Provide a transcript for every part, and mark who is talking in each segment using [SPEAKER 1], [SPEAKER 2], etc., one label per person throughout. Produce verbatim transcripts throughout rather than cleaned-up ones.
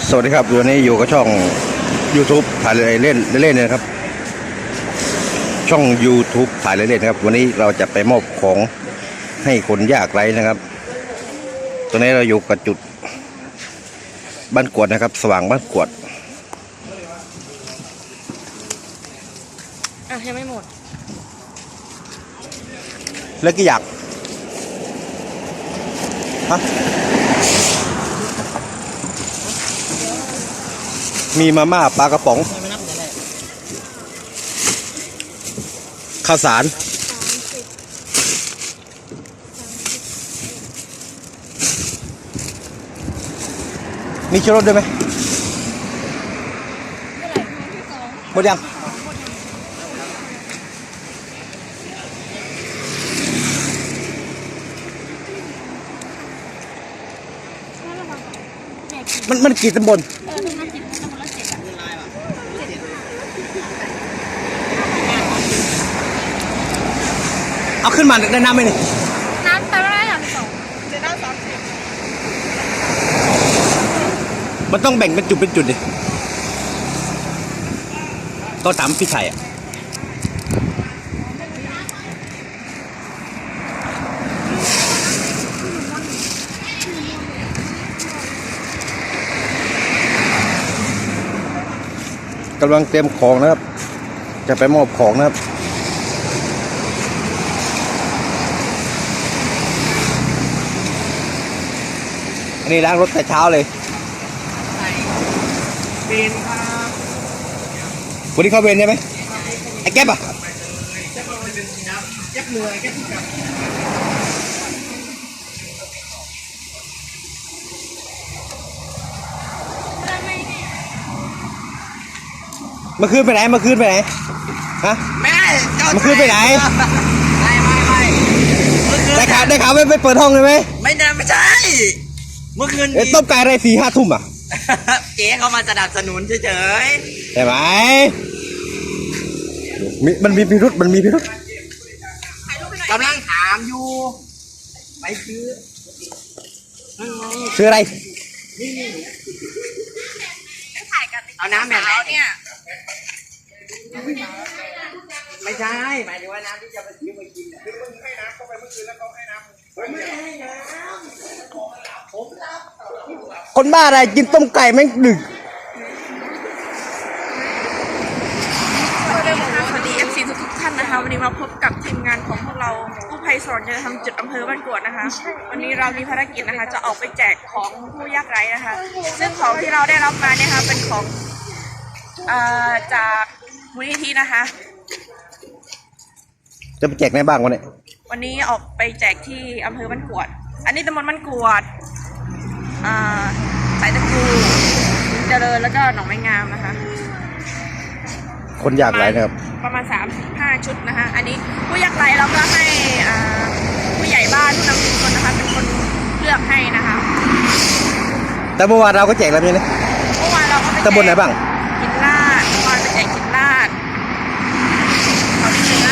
[SPEAKER 1] สวัสดีครับวันนี้อยู่กับช่อง YouTube ถ่ายเล่นเล่นๆนะครับช่อง YouTube ถ่ายเล่นๆนะครับวันนี้เราจะไปมอบของให้คนยากไร้นะครับตอนนี้เราอยู่กับจุดบ้านกวดนะครับสว่างบ้านกวด
[SPEAKER 2] อ่ะยังไม่หมด
[SPEAKER 1] แล้วกี่อยากฮะมีมาม่าปลากระป๋องข้าวสารมีชูรสด้วยไหมหมดยังมันมันกี่ตำบลเอาขึ้นมาได้น้ำไหมนี่
[SPEAKER 2] น้ำแต่ละอย่างสองเจ็ดน้ำสามสิบ
[SPEAKER 1] มันต้องแบ่งเป็นจุดเป็นจุดดิก็ตามพี่ชัยอ่ะกำลังเตรียมของนะครับจะไปมอบของนะครับอันนี้ล้างรถแต่เช้าเลยเวนครับวันนี้เข้าเวนใช่ไหมไอ้แก๊ปอ่ะแก๊ปเหนื่อยแก๊ปกลับเมื่อคืนไปไหนเมื่อคืนไปไหนฮะ
[SPEAKER 3] ไม่
[SPEAKER 1] เมื่อคืนไปไหน
[SPEAKER 3] ไม่ไม่ไม่
[SPEAKER 1] ได้ข่าวได้ข่าวไม่ไปเปิดห้องเลยไหม
[SPEAKER 3] ไม่ได้ไม่ใช่เมื่อคืน
[SPEAKER 1] ต้มไก่อะไรสี่ห้าทุ่มอ่ะ
[SPEAKER 3] เจ๊เขามาสนับสนุนเฉย
[SPEAKER 1] ๆใช่ไหมมีมันมีพิรุษมันมีพิรุษ
[SPEAKER 3] กำลังถามอยู่ไปซื้อ
[SPEAKER 1] ซื้ออะไร
[SPEAKER 3] เอาน้ำแบบไหนเนี่ยไม่ใช่หมายถึงว่าน้ำที่จะไปซื้อมากินคือมึงให้น้ำเข้าไปเมื่อคืนแล้วเขาให้น้ำผมไม่ให้น้ำผมรับ
[SPEAKER 1] คนบ้าอะไรกินต้มไก่แม่งดึก
[SPEAKER 2] สวัสดี เอฟ ซี ทุกท่านนะคะวันนี้มาพบกับทีมงานของพวกเรากู้ภัยสอนจะทำจุดอำเภอบ้านกวดนะคะวันนี้เรามีภารกิจนะคะจะออกไปแจกของผู้ยากไร้นะคะซึ่งของที่เราได้รับมาเนี่ยค่ะเป็นของจากมูลนิธินะคะ
[SPEAKER 1] จะไปแจกไหนบ้างวันนี้
[SPEAKER 2] วันนี้ออกไปแจกที่อำเภอบ้านกวดอันนี้ตำบลบ้านกวดสายตะกูเจริญแล้วก็หนองไม้งามนะคะ
[SPEAKER 1] คนยากไร้นะครับ
[SPEAKER 2] ประมาณสามถึงห้าชุดนะคะอันนี้ผู้ยากไร้เราก็ให้ผู้ใหญ่บ้านผู้นำชุมชนนะคะเป็นคนเลือกให้นะคะ
[SPEAKER 1] แต่เมื่อวานเราก็แจกแล้วใช่ไหม
[SPEAKER 2] เมื่อวานเราก็ไปแจก
[SPEAKER 1] ตำบลไหนบ้าง
[SPEAKER 2] หินลาดเมื่อวานไปแจกหินลาดเขาดีเหนือ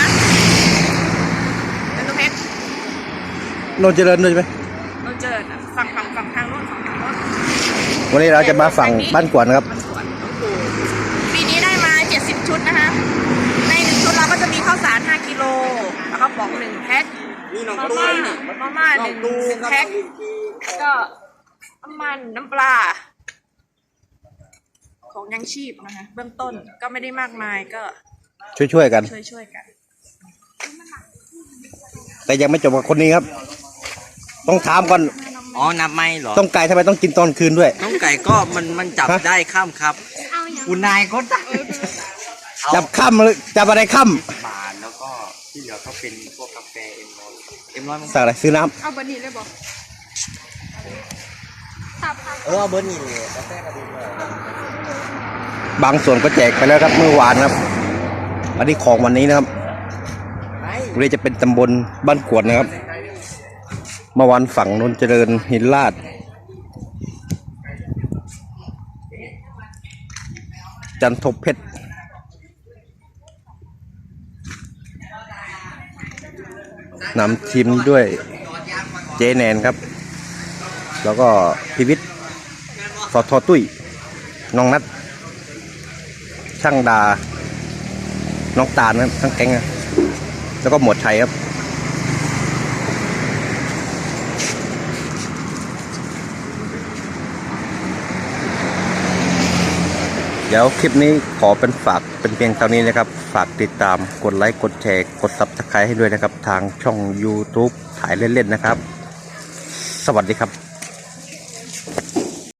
[SPEAKER 2] เป็นตัวเพชร
[SPEAKER 1] โนนเจริญด้วยใช่ไหม
[SPEAKER 2] โนนเจริญฝั่งฝั่งฝั่งทางโน้นฝั่งทางโน้น
[SPEAKER 1] วันนี้เราจะมาฝั่งบ้านกวดนะครับ
[SPEAKER 2] ปีนี้ได้มาเจ็ดสิบชุดนะคะในหนึ่งชุดเราก็จะมีข้าวสารห้ากิโลแล้วก็บอกหนึ่งแพ็คมาม่ามาม่าหนึ่งแพ็คก็น้ำมันน้ำปลาของยังชีพนะคะเบื้องต้นก็ไม่ได้มากมายก็
[SPEAKER 1] ช่วยๆกัน
[SPEAKER 2] ช่วยๆกัน
[SPEAKER 1] แต่ยังไม่จบกับคนนี้ครับต้องถามก่อน
[SPEAKER 3] อ๋อนับไม่หรอ
[SPEAKER 1] ต้มไก่ทำไมต้องกินตอนคืนด้วย
[SPEAKER 3] ต้มไก่ก็มันมันจับได้ค่ำครับคุณนายก็จับ
[SPEAKER 1] จับค่ำเลยจับอะไรค่ำ
[SPEAKER 3] บาทแล้วก็ที่เหลือก็เป็นพวกกาแฟเอ็มร้อยเอ็มร้อย
[SPEAKER 1] สั่งอะไรซื้อน้
[SPEAKER 2] ำเอาเบอร์นี้เลยบอก
[SPEAKER 3] เออเอาเบอร์นี้เลยกาแฟก็ดีเลย
[SPEAKER 1] บางส่วนก็แจกไปแล้วครับเมื่อวานครับอันนี้ของวันนี้นะครับวันนี้จะเป็นตำบลบ้านกวดนะครับเมื่อวันฝั่งนนเจริญหินลาดจันทบเพชรนำทีมด้วยเจแนนครับแล้วก็พิวิทย์สอทอตุ้ยน้องนัดช่างดาน้องตาลนะครับทั้งแก๊งนะแล้วก็หมวดชัยครับเดี๋ยวคลิปนี้ขอเป็นฝากเป็นเพียงเท่านี้นะครับฝากติดตามกดไลค์กดแชร์กดซับสไครต์ให้ด้วยนะครับทางช่อง YouTube ถ่ายเล่นๆนะครับสวัสดีครับ